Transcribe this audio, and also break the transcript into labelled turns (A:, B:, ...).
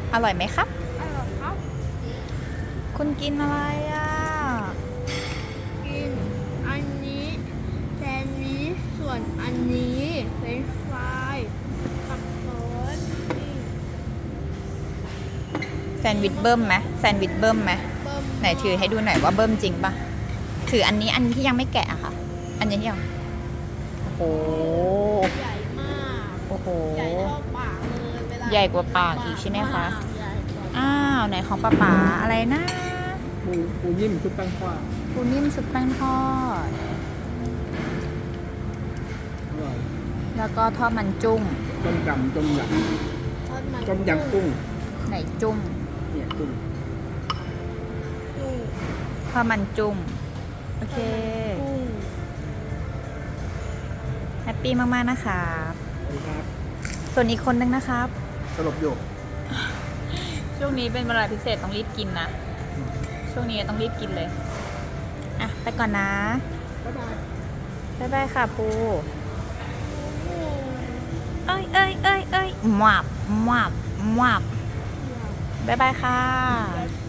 A: อร่อยไหมครับ
B: อร่อยครับ
A: คุณกินอะไรอ่ะ
B: กินอันนี้แซนด์วิชส่วนอันนี้เฟรนช์ฟรายกับโค้ดนี่
A: แซนด์วิชเบิ้มไหมแซนด์วิชเบิ้มไหม
B: เบิ่ม
A: ไหนถือให้ดูหน่อยว่าเบิ้มจริงปะถืออันนี้ที่ยังไม่แกะอะค่ะ อันนี้ที่ยังโอ้โห
B: ใหญ่มาก
A: โอ้โห
B: ใหญ่เท่าปากเลยเวลา
A: ใหญ่กว่าปากอีกใช่ไหมคะ
B: ใหญ่กว่า
A: อ้าวไหนของป้าป๋าอะไรนะ
C: ปูนิ่มชุบแป้งทอด
A: ปูนิ่มซุปแป้งทอด
C: อร่อย
A: แล้วก็ทอดมันจุ้ง
C: ต้มยำต้มย
B: ทอดมัน
C: ำต้มยำกุ้ง
A: ไหนจุ้ง
C: เนี่ยกุ้ง
B: กุ้ง
A: ทอดมันจุ้งโอเค
B: กุ้ง
A: แฮปปี้มากๆนะครับ
C: สวัสดีครับ
A: ส่วนอีกคนนึงนะครับ
C: สลบอยู่
A: ช่วงนี้เป็นเวลาพิเศษต้องรีบกินนะ ช่วงนี้ต้องรีบกินเลย อ่ะ ไปก่อนนะ
C: บ๊ายบาย
A: บ๊ายบายค่ะปูเอ้ยเอ้ยเอ้ยเอ้ยหวับหวับหวับบ๊ายบายค่ะ
B: แบบ